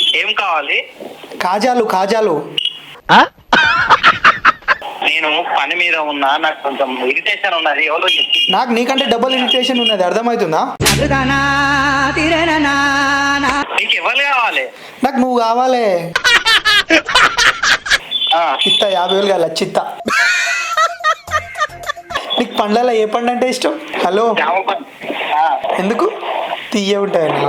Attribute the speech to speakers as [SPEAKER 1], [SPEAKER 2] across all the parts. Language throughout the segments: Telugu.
[SPEAKER 1] ఏం కావాలి?
[SPEAKER 2] కాజాలు కాజాలు.
[SPEAKER 1] నేను పని మీద ఉన్నా, నాకు కొంచెం ఇరిటేషన్ ఉన్నది. ఎవరో చెప్పి
[SPEAKER 2] నాకు నీకంటే డబుల్ ఇరిటేషన్ ఉన్నది, అర్థమవుతుందా?
[SPEAKER 1] నీకు ఎవరు కావాలి?
[SPEAKER 2] నాకు నువ్వు కావాలి.
[SPEAKER 1] ఆ,
[SPEAKER 2] ఇత్త 50,000 కాదు, చిత్త. నీకు పండ్లలో ఏ పండు అంటే ఇష్టం? హలో,
[SPEAKER 1] జామ పండు. ఆ,
[SPEAKER 2] ఎందుకు? తీయ ఉంటాయన్న.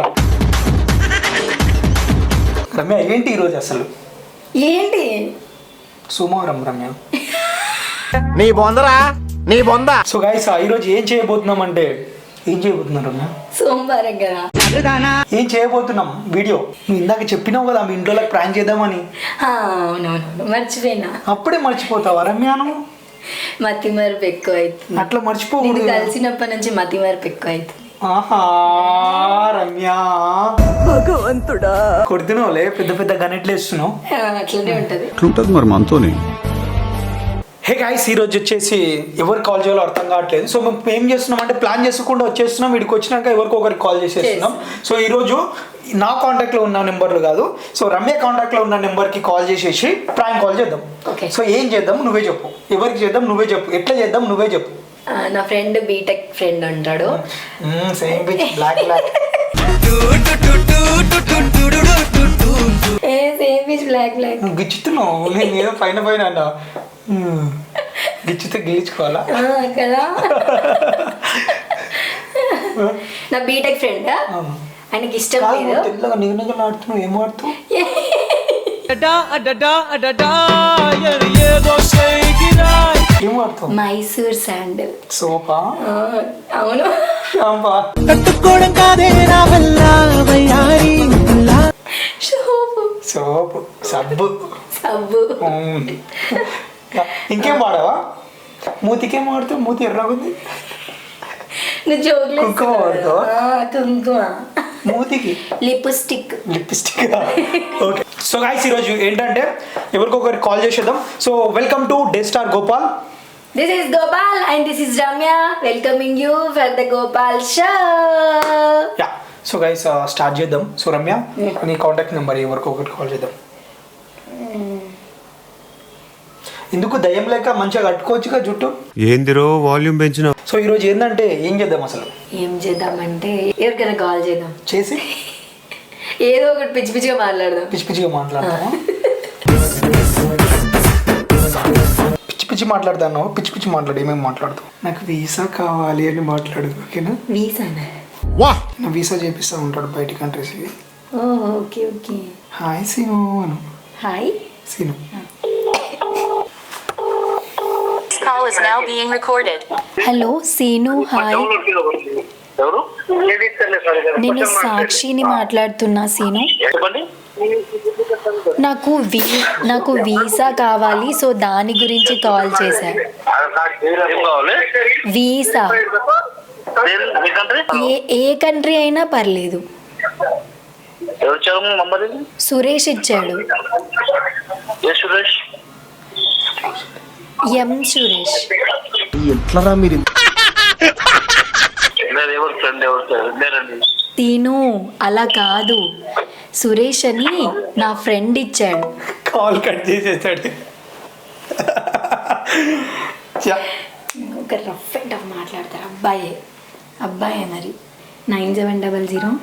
[SPEAKER 2] రమ్య ఏంటి ఈరోజు అసలు?
[SPEAKER 3] ఏంటి
[SPEAKER 2] సోమవారం రమ్య.
[SPEAKER 4] నీ బొందరా నీ బొంద.
[SPEAKER 2] సో గైస్ ఈరోజు ఏం చేయబోతున్నాం అంటే, ఏం చేయబోతున్నాం రమ్య?
[SPEAKER 3] సోమవారం కదా.
[SPEAKER 2] ఏం చేయబోతున్నాం వీడియో. నువ్వు ఇందాక చెప్పినావు కదా మీ ఇంట్లో ప్రాంక్ చేద్దామని.
[SPEAKER 3] అవునవును, మర్చిపోయినా.
[SPEAKER 2] అప్పుడే మర్చిపోతావా రమ్య నువ్వు?
[SPEAKER 3] మతి మరపు ఎక్కువ అవుతుంది.
[SPEAKER 2] అట్లా
[SPEAKER 3] నేను
[SPEAKER 2] మర్చిపోకూడదు.
[SPEAKER 3] కలిసినప్పటి నుంచి మతి మరపు ఎక్కువ అవుతుంది.
[SPEAKER 2] ఆహా రమ్య,
[SPEAKER 3] భగవంతుడా,
[SPEAKER 2] కొడుతున్నావులే, పెద్ద పెద్ద గనెట్లు వేస్తున్నావు.
[SPEAKER 3] అట్లనే ఉంటది.
[SPEAKER 5] ఎట్లుంటది మరి మనతోని?
[SPEAKER 2] హే గాయ్స్, ఈరోజు వచ్చేసి ఎవరు కాల్ చేయాలో అర్థం కావట్లేదు. సో మేము ఏం చేస్తున్నాం అంటే, ప్లాన్ చేసుకుండా వచ్చేస్తున్నాం. వీడికి వచ్చినాక ఎవరికి ఒకరికి కాల్ చేసేస్తున్నాం. సో ఈరోజు నా కాంటాక్ట్లో ఉన్న నెంబర్లు కాదు, సో రమ్య కాంటాక్ట్లో ఉన్న నెంబర్కి కాల్ చేసేసి ప్రాంక్ కాల్ చేద్దాం.
[SPEAKER 3] Okay.
[SPEAKER 2] సో ఏం చేద్దాం నువ్వే చెప్పు, ఎవరికి చేద్దాం నువ్వే చెప్పు, ఎట్లా చేద్దాం నువ్వే చెప్పు.
[SPEAKER 3] నా ఫ్రెండ్ బీటెక్ ఫ్రెండ్ ఉంటాడు.
[SPEAKER 2] Same pitch, block block.
[SPEAKER 3] Same piece block block.
[SPEAKER 2] నువ్వు గిచ్చుతున్నావు, నేను ఏదో పైన పైన అన్నా. గిచ్చితే గిలిచుకోవాలా
[SPEAKER 3] కదా. నా బీటెక్ ఫ్రెండ్, ఆయనకి ఇష్టం లేదు.
[SPEAKER 2] తెల్లగా నిగనగలు ఆడుతున్నావు, ఏం ఆడుతావు? ఏం ఆడుతావు?
[SPEAKER 3] Mysore sandal
[SPEAKER 2] sofa?
[SPEAKER 3] అవును.
[SPEAKER 2] షాంపా?
[SPEAKER 3] షోపు,
[SPEAKER 2] సోపు, సబ్బు.
[SPEAKER 3] సబ్బు.
[SPEAKER 2] ఇంకేం వాడవా? మూతికేం వాడుతావు? మూతి ఎర్రగుంది.
[SPEAKER 3] నువ్వు జోకులు
[SPEAKER 2] కుంకుమ వాడతావా?
[SPEAKER 3] కుంకుమ.
[SPEAKER 2] మూతికి
[SPEAKER 3] lipstick.
[SPEAKER 2] Lipstick. Okay. So guys ఈరోజు ఏంటంటే ఎవరికొకరు కాల్ చేసేద్దాం. So welcome to the star Gopal.
[SPEAKER 3] This is Gopal and this is Ramya welcoming you for the Gopal show.
[SPEAKER 2] Yeah, so guys start చేద్దాం. సో రమ్య, నీ కాంటాక్ట్ నెంబర్ ఎవరికొకరు కాల్ చేద్దాం. ఎందుకు దయ్యం లేక మంచిగా కట్టుకోవచ్చుగా జుట్టు.
[SPEAKER 5] ఏందిరో వాల్యూమ్ పెంచిన.
[SPEAKER 2] సో ఈరోజు ఏంటంటే ఏం చేద్దాం అసలు?
[SPEAKER 3] ఏం చేద్దామంటే ఎవరికైనా కాల్ చేద్దాం,
[SPEAKER 2] చేసి
[SPEAKER 3] ఏదో ఒకటి పిచ్చి పిచ్చిగా మాట్లాడదాం.
[SPEAKER 2] పిచ్చి పిచ్చిగా మాట్లాడతాను. పిచ్చి పిచ్చి మాట్లాడతాను. పిచ్చి పిచ్చి మాట్లాడు, ఏమేమి మాట్లాడుతావు? నాకు వీసా కావాలి అని మాట్లాడు, ఓకేనా?
[SPEAKER 3] వీసానా?
[SPEAKER 2] నా వీసా చేపిస్తా ఉంటాడు బయట కంట్రీస్కి.
[SPEAKER 3] Okay okay.
[SPEAKER 2] Hi Seenu Anu.
[SPEAKER 3] Hi
[SPEAKER 2] Seenu.
[SPEAKER 6] Call is now being recorded.
[SPEAKER 3] Hello Seenu, hi.
[SPEAKER 1] ఎవరు?
[SPEAKER 3] నేను సాక్షిని మాట్లాడుతున్నా సీను.
[SPEAKER 1] చెప్పండి.
[SPEAKER 3] నాకు వీసా కావాలి, సో దాని గురించి కాల్ చేశా.
[SPEAKER 1] ఏం కావాలి?
[SPEAKER 3] వీసా
[SPEAKER 1] మీ కంట్రీ?
[SPEAKER 3] ఏ కంట్రీ అయినా పర్లేదు.
[SPEAKER 1] ఎవరు ఇచ్చారు నంబర్?
[SPEAKER 3] సురేష్ ఇచ్చాడు.
[SPEAKER 1] ఏ సురేష్?
[SPEAKER 3] ఎం సురేష్.
[SPEAKER 5] ఎట్లరా మీరు?
[SPEAKER 1] లేదు, ఎవరు ఫ్రెండ్, ఎవరు లేరండి.
[SPEAKER 3] తీను అలా కాదు, సురేష్ అని నా ఫ్రెండ్ ఇచ్చాడు.
[SPEAKER 2] కాల్ కట్ చేసేసాడు.
[SPEAKER 3] ఒక రఫ్ అండ్ టఫ్ మాట్లాడతారు. అబ్బాయే మరి. 9700.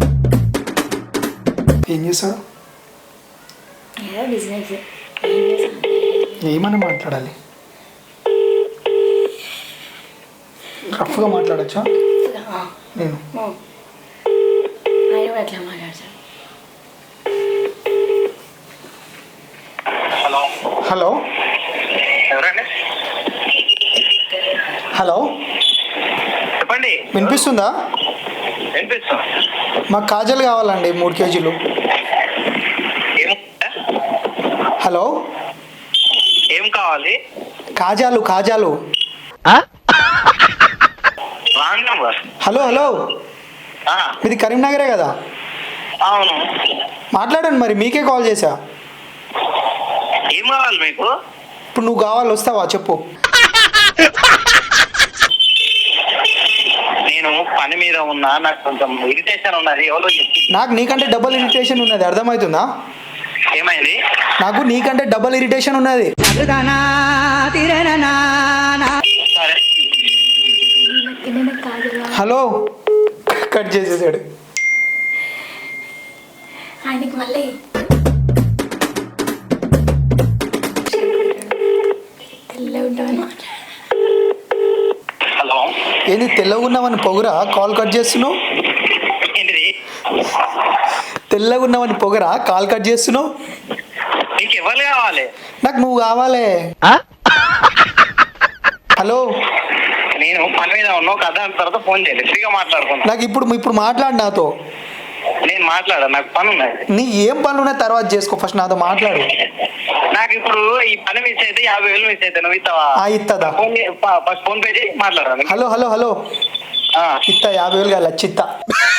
[SPEAKER 2] ఏం చేస్తాడు?
[SPEAKER 3] ఏదో బిజినెస్.
[SPEAKER 2] ఏమని మాట్లాడాలి? రఫ్గా మాట్లాడచ్చా? నేను
[SPEAKER 3] ఆయన ఎట్లా మాట్లాడతాడు?
[SPEAKER 1] హలో.
[SPEAKER 2] హలో.
[SPEAKER 1] ఎవరండి?
[SPEAKER 2] హలో,
[SPEAKER 1] చెప్పండి.
[SPEAKER 2] వినిపిస్తుందా?
[SPEAKER 1] వినిపిస్తుంది.
[SPEAKER 2] మాకు కాజల్ కావాలండి 3 కేజీలు. హలో,
[SPEAKER 1] ఏం కావాలి?
[SPEAKER 2] కాజాలు కాజాలు.
[SPEAKER 1] Wrong number.
[SPEAKER 2] హలో హలో, మీది కరీంనగరే కదా?
[SPEAKER 1] అవును.
[SPEAKER 2] మాట్లాడండి మరి, మీకే కాల్ చేశా.
[SPEAKER 1] ఏం కావాలి మీకు?
[SPEAKER 2] ఇప్పుడు నువ్వు కావాలి, వస్తావా చెప్పు.
[SPEAKER 1] నేను పని మీద ఉన్నా, నాకు కొంచెం ఇరిటేషన్ ఉన్నది. ఎవరో చెప్పి
[SPEAKER 2] నాకు నీకంటే డబుల్ ఇరిటేషన్ ఉన్నది, అర్థమవుతుందా?
[SPEAKER 1] ఏమైంది?
[SPEAKER 2] నాకు నీకంటే డబుల్ ఇరిటేషన్ ఉన్నది.
[SPEAKER 1] సరే
[SPEAKER 3] ఏమైనా కాదురా
[SPEAKER 2] హలో, కట్ చేసేసాడు.
[SPEAKER 3] ఆయనకి మళ్ళీ తెల్ల ఉంటాను.
[SPEAKER 1] హలో,
[SPEAKER 2] ఏంది తెల్లగా ఉన్నావని పొగరా కాల్ కట్ చేస్తున్నావు?
[SPEAKER 1] ఏంటిది?
[SPEAKER 2] తెల్లగా ఉన్నావని పొగరా కాల్ కట్ చేస్తున్నావు?
[SPEAKER 1] నీకు ఎవరు కావాలి?
[SPEAKER 2] నాకు నువ్వు కావాలే. హలో,
[SPEAKER 1] నేను పని మీద ఉన్నా, ఒక అర్ధ తర్వాత ఫోన్ చేయాలి, ఫ్రీగా మాట్లాడుకుంటా.
[SPEAKER 2] నాకు ఇప్పుడు మాట్లాడు నాతో.
[SPEAKER 1] నేను మాట్లాడా, నాకు పని ఉన్నది.
[SPEAKER 2] నీ ఏం పనులు ఉన్నాయి తర్వాత చేసుకో, ఫస్ట్ నాతో మాట్లాడు.
[SPEAKER 1] నాకు ఇప్పుడు ఈ పని మిస్ అయితే 50,000 మిస్ అయితే నువ్వు ఇస్తావా?
[SPEAKER 2] ఇస్తుందా?
[SPEAKER 1] ఫస్ట్ ఫోన్ పే చేయి, మాట్లాడాలి.
[SPEAKER 2] హలో హలో హలో, ఇస్తా 50,000 కాదు, లచ్చి ఇస్తా.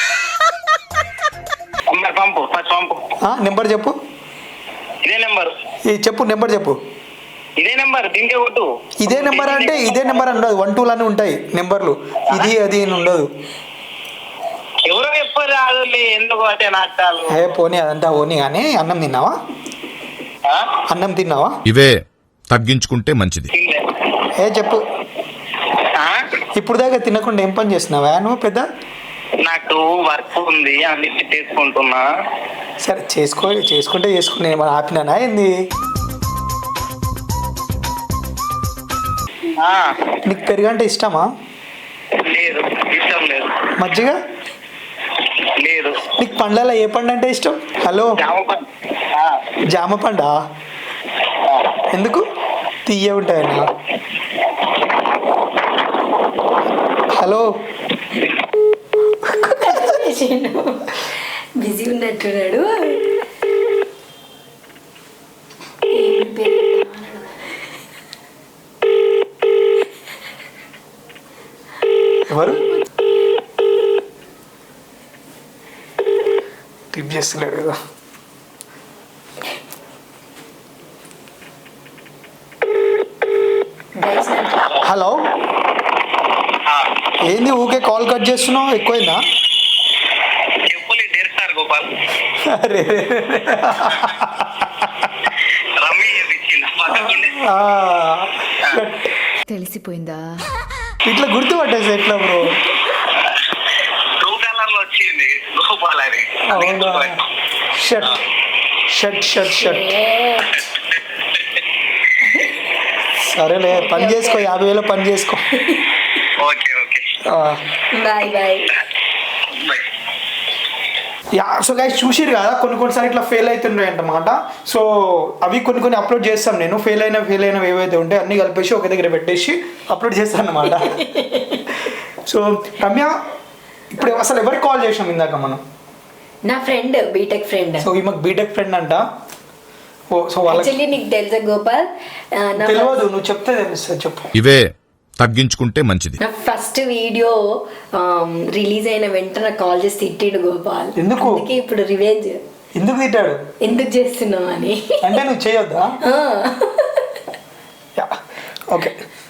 [SPEAKER 1] మరి పంపు, ఫస్ట్ పంపు.
[SPEAKER 2] నెంబర్ చెప్పు.
[SPEAKER 1] ఇదే నెంబర్.
[SPEAKER 2] చెప్పు నెంబర్ చెప్పు.
[SPEAKER 1] ఇదే నెంబర్, దీనికే కొట్టు.
[SPEAKER 2] ఇదే నెంబర్ అంటే ఇదే నెంబర్ ఉండదు, 1 2 అని ఉంటాయి నెంబర్లు. ఇది అది అని ఉండదు.
[SPEAKER 1] ఎవరో చెప్పరు రాదు, ఎందుకు అంటే నాటాలు.
[SPEAKER 2] పోనీ అదంతా పోనీ. కానీ అన్నం తిన్నావా? అన్నం తిన్నావా?
[SPEAKER 7] ఇవే తగ్గించుకుంటే మంచిది.
[SPEAKER 2] చెప్పు. ఇప్పుడు దాకా తినకుండా ఏం పని చేస్తున్నావా నువ్వు పెద్ద?
[SPEAKER 1] నాకు వర్క్ ఉంది, అన్నిటి చేసుకుంటున్నా.
[SPEAKER 2] సరే చేసుకుంటే చేసుకుని నేను ఆపినానా ఏంది? నీకు పెరుగంటే ఇష్టమా?
[SPEAKER 1] లేదు, ఇష్టం లేదు.
[SPEAKER 2] మజ్జిగ
[SPEAKER 1] లేదు.
[SPEAKER 2] నీకు పండ్లలో ఏ పండు అంటే ఇష్టం? హలో, జామ పండా? ఎందుకు? తీయ ఉంటాయన్నా. Hello,
[SPEAKER 3] busy ఉన్నట్టున్నాడు.
[SPEAKER 2] ఎవరు టిప్ చేస్తున్నాడు కదా. హలో, ఏంది ఊకే కాల్ కట్ చేస్తున్నావు? ఎక్కువైందా?
[SPEAKER 1] చెప్పులు డేర్ సార్ గోపాల్.
[SPEAKER 2] అరే
[SPEAKER 1] రమ్మి ఇచ్చింది పక్కకుండే.
[SPEAKER 8] తెలిసిపోయిందా?
[SPEAKER 2] ఇట్లా గుర్తుపట్టేసి ఎట్లా బ్రో?
[SPEAKER 1] బ్లూ కలర్ లో వచ్చింది గోపాల్ అని.
[SPEAKER 2] Shirt shirt shirt shirt. సరేలే, పని చేసుకో, 50,000 పని చేసుకో.
[SPEAKER 1] Okay okay,
[SPEAKER 3] bye bye.
[SPEAKER 2] So guys చూసిరు కదా, కొన్నిసార్లు ఇట్లా ఫెయిల్ అవుతున్నాయి అన్నమాట. సో అవి కొన్ని అప్లోడ్ చేస్తాం. నేను ఫెయిల్ అయినవి ఏవైతే ఉంటాయి అన్నీ కలిపేసి ఒక దగ్గర పెట్టేసి అప్లోడ్ చేస్తాను అన్నమాట. సో రమ్య, ఇప్పుడు అసలు ఎవరికి కాల్ చేసాం ఇందాక మనం?
[SPEAKER 3] నా ఫ్రెండ్, బీటెక్ ఫ్రెండ్.
[SPEAKER 2] సో ఈమెకు బీటెక్ ఫ్రెండ్ అంట. సో
[SPEAKER 3] యాక్చువల్లీ నీకు తెలుసా గోపాల్?
[SPEAKER 2] తెలియదు, నువ్వు చెప్తే తెలుస్తుంది, చెప్పు.
[SPEAKER 7] ఇవే తగ్గించుకుంటే మంచిది.
[SPEAKER 3] నా ఫస్ట్ వీడియో రిలీజ్ అయిన వెంటనే కాల్ చేసి తిట్టిండు గోపాల్.
[SPEAKER 2] ఎందుకు?
[SPEAKER 3] అందుకే ఇప్పుడు రివెంజ్.
[SPEAKER 2] ఎందుకు తిట్టాడు?
[SPEAKER 3] ఎందుకు చేస్తున్నావు అని.
[SPEAKER 2] అంటే నువ్వు చేయొద్దా? ఓకే.